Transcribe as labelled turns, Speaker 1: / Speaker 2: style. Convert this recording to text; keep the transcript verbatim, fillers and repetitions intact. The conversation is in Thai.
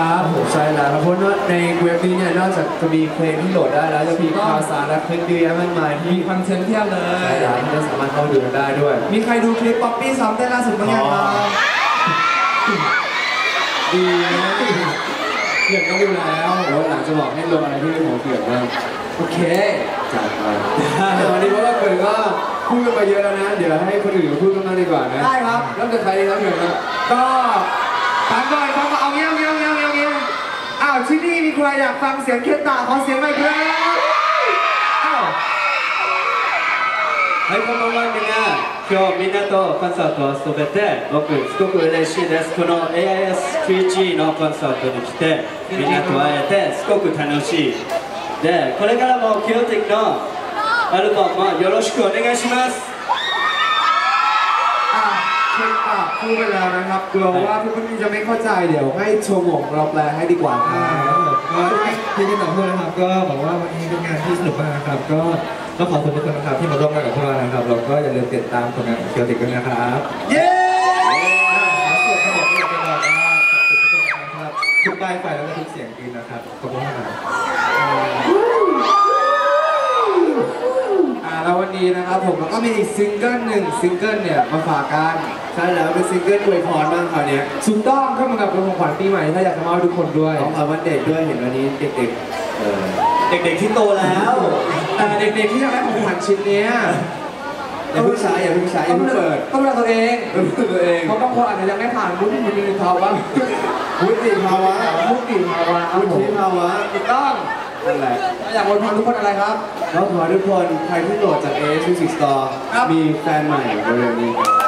Speaker 1: ครับผมใช่แล้วครับเพราะว่าในเว็บนี้เนี่ยนอกจากจะมีเพลงที่โหลดได้แล้วจะมีข่าวสารและคลิปดีๆมากมายที่
Speaker 2: มีคอนเทนต์เพียบเลย
Speaker 1: ใช่แล้วที่สามารถเข้าดูกันได้ด้วย
Speaker 2: มีใครดูคลิปป๊อปปี้ซ้อมเต้นล่าสุดบ้างยังครับ
Speaker 1: ดีนะเกือบก็ดูแล้วแล้วหลังจะบอกให้ลงอะไรที่เป็นหัวเกือบบ้าง
Speaker 2: โอเค
Speaker 1: จัดไปวันนี้เพราะว่าเกิดก็พูดกันมาเยอะแล้วนะเดี๋ยวให้คนอื่นพูดกันมากดีกว่านะ
Speaker 2: ได้ครับ
Speaker 1: เริ่มจากใครดีครับเกิดครับ
Speaker 2: ก็ฟังก่อนฟังก่อนเอาเงี้ยเอาเงี้ยเอาเงี้ยเอาเงี้ยอ้าวที่นี่มีใครอยากฟังเสียงเคตาขอเสียงหน่อยครับอ้าว
Speaker 3: はい、こんばんはみんな。今日みんなとコンサートを遊べて僕すごく嬉しいです。この エーアイエス キュージー のコンサートに来てみんなと会えてすごく楽しい。で、これからもキューティックのアルバムもよろしくお願いします。
Speaker 2: เคตาพูดไปแล้วนะครับกลัวว่าเพื่อนๆจะไม่เข้าใจเดี๋ยวให้โชว์หมงเราแปลให้ดีกว่าครับ
Speaker 4: ก็ที่ที่ต่อพูดนะครับก็บอกว่าวันนี้เป็นงานที่สนุกมากนะครับก็ต้องขอบคุณทุกคนนะครับที่มาร่วมงานกับพวกเรานะครับเราก็อย่าลืมติดตามผลงานของเคียวติกด้วยนะครับ
Speaker 2: เย้
Speaker 4: ส่วนทั้งหมดที่จะบอกว่าขอบคุณทุกคนนะครับทุกป้ายไฟแล้วก็ทุกเสียงกรี๊ดนะครับขอบคุณมากครับ
Speaker 2: อ่าแล้ววันนี้นะครับผมก็มีอีกซิงเกิลหนึ่งซิงเกิลเนี่ยมาฝากกัน
Speaker 1: ใช่แล้วเป็นซิงเกิลอวยพรบ้างคราวนี้
Speaker 2: ถูกต้องเข้ามากับเป็นของขวัญปีใหม่ถ้าอยากจะมอบให้ทุกคนด้วย
Speaker 1: ของขวัญวันเด็กด้วยเห็นวันนี้เด็กๆเออ
Speaker 3: เด็กๆที่โตแล้ว
Speaker 2: แต่เด็กๆที่อยากได้ของขวัญชิ้นนี้
Speaker 1: อย่าเพิ่งใช้อย่าเพิ่งใช้อย่าเพิ่งเปิด
Speaker 2: ต้องดูแลตัวเอง
Speaker 1: ตัวเอง
Speaker 2: เพราะบางคนอาจจะยังไม่ผ่านวุฒิภาวะ
Speaker 1: วุฒิภาวะ
Speaker 2: วุฒิภาวะ
Speaker 1: วุฒิภาวะ
Speaker 2: ถูกต้อง
Speaker 1: นั่นแหละ
Speaker 2: อยากอวยพรทุกคนอะไรครับ
Speaker 1: แล้วขอทุกคนใครที่โหลดจาก เอ เอส Music Store มีแฟนใหม่เร็วๆนี้ครับ